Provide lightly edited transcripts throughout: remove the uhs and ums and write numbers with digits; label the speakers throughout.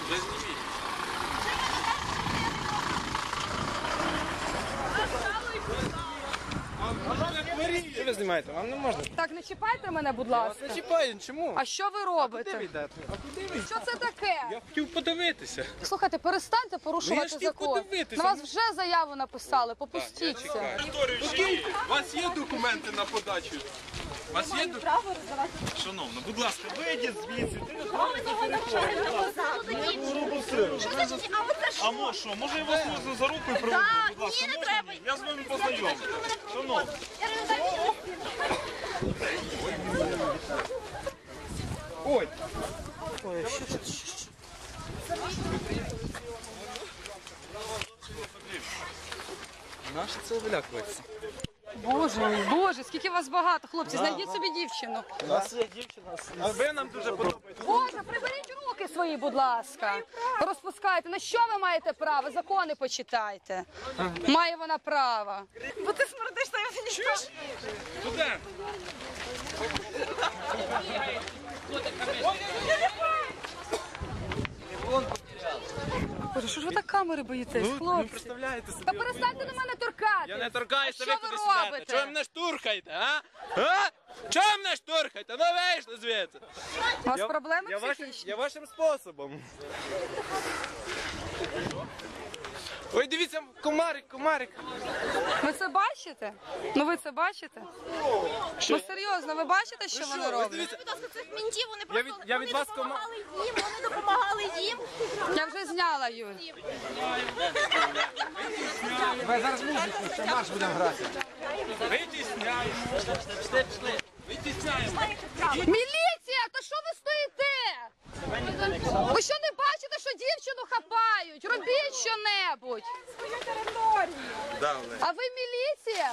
Speaker 1: Вже зніміть. Що ви знімаєте? Вам не можна.
Speaker 2: Так, не чіпайте мене, будь ласка.
Speaker 1: Не чіпаю, чому?
Speaker 2: А що ви робите?
Speaker 1: Куди ви йдете? А куди ви?
Speaker 2: Що це таке?
Speaker 1: Я хотів подивитися.
Speaker 2: Слухайте, перестаньте порушувати
Speaker 1: хотів
Speaker 2: закон.
Speaker 1: подивитися.
Speaker 2: На вас вже заяву написали, попустіться.
Speaker 1: У вас є документи на подачу? У вас є документи?
Speaker 3: Шановна, будь ласка, вийдіть звідси. А може що? Може я вас за руку приведу? Будь ласка, можна? Я з вами познайомлю. Шановна.
Speaker 1: Ой. Наше це вилякується.
Speaker 2: Боже, Боже, скільки вас багато, хлопці, знайдіть собі дівчину.
Speaker 1: У нас є дівчина. А ви нам дуже подобається.
Speaker 2: Боже, приберіть руки свої, будь ласка. Розпускайте. На що ви маєте право? Закони почитайте. Має вона право. Бо ти смердиш на мені.
Speaker 1: Куди?
Speaker 2: Боже, що ж ви так камери боїтесь,
Speaker 1: Ви
Speaker 2: хлопці?
Speaker 1: представляєте собі?
Speaker 2: Та перестаньте до мене торкати.
Speaker 1: Я не торкаюся,
Speaker 2: Що
Speaker 1: ви
Speaker 2: ви
Speaker 1: куди сідете?
Speaker 2: робите?
Speaker 1: Чого ви мене штурхаєте, а? А? Чого ви мене штурхаєте? Ну вийшли звідси.
Speaker 2: У вас проблеми психічні?
Speaker 1: Я вашим способом. Ой, дивіться, комарик, комарик.
Speaker 2: Ви це бачите? Ну ви це бачите? Ну серйозно, ви бачите, що вони
Speaker 1: Ви
Speaker 2: роблять?
Speaker 1: дивіться,
Speaker 4: Будь ласка, цих мінтів, вони
Speaker 1: Я
Speaker 4: просто
Speaker 1: від- я від вас
Speaker 4: допомагали їм, вони допомагали їм.
Speaker 2: Я вже зняла, Юль.
Speaker 1: витісняємо. Витісняємо.
Speaker 2: Міліція, то що ви стоїте? Ви що не бачите, що дівчину хапають? Робіть що-небудь. А ви міліція?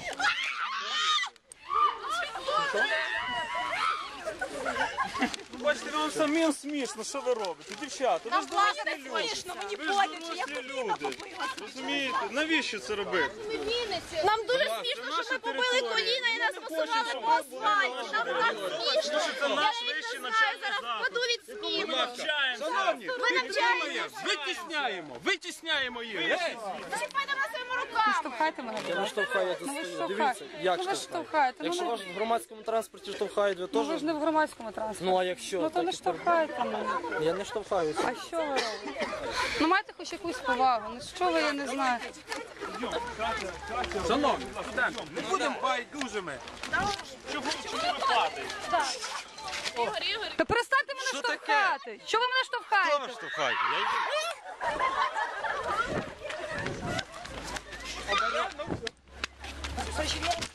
Speaker 3: Бачите, вам самим смішно, що ви робите? Дівчата, ви ж дорослі
Speaker 4: не
Speaker 3: люди.
Speaker 4: смішно, мені
Speaker 3: Ви ж
Speaker 4: боляче, я
Speaker 3: дорослі
Speaker 4: коліна
Speaker 3: люди.
Speaker 4: побила.
Speaker 3: Розумієте? Навіщо це робити?
Speaker 4: Нам дуже
Speaker 1: ласка,
Speaker 4: смішно,
Speaker 3: наша
Speaker 4: що ми побили
Speaker 3: територія.
Speaker 4: коліна і
Speaker 3: Ми
Speaker 4: нас
Speaker 3: не
Speaker 4: посували
Speaker 3: хочемо,
Speaker 4: по
Speaker 3: щоб ви
Speaker 4: асфальті. Нам так смішно.
Speaker 3: Це наш
Speaker 4: Я
Speaker 3: вищий
Speaker 4: навіть не знаю,
Speaker 3: навчальний
Speaker 4: зараз
Speaker 3: заклад.
Speaker 4: впаду від сміху.
Speaker 3: Навчаємося.
Speaker 1: Шановні,
Speaker 4: Ви навчаєтесь.
Speaker 1: витісняємо, витісняємо їх. Гей!
Speaker 4: Чіпайте на своїми руками.
Speaker 2: Штовхайте мене.
Speaker 5: Я не штовхаю, я тут
Speaker 2: Ну ви
Speaker 5: стою.
Speaker 2: штовхаєте.
Speaker 5: Дивіться, як
Speaker 2: Ну ви
Speaker 5: штовхаю.
Speaker 2: штовхаєте. Ну,
Speaker 5: Якщо
Speaker 2: не-
Speaker 5: вас в громадському транспорті штовхають, ви
Speaker 2: ну ви
Speaker 5: теж...
Speaker 2: ж не в громадському транспорті.
Speaker 5: Ну а якщо?
Speaker 2: Ну то
Speaker 5: так
Speaker 2: не
Speaker 5: і
Speaker 2: штовхайте мене.
Speaker 5: Я не штовхаюся.
Speaker 2: А що ви робите? Ну майте хоч якусь повагу. Ну що ви, я не знаю.
Speaker 1: Шановні, студенти, не будемо байдужими.
Speaker 3: Чого ви падаєте?
Speaker 2: Та перестаньте мене
Speaker 1: Що таке?
Speaker 2: штовхати. Що ви мене штовхаєте?
Speaker 3: Штовхайте.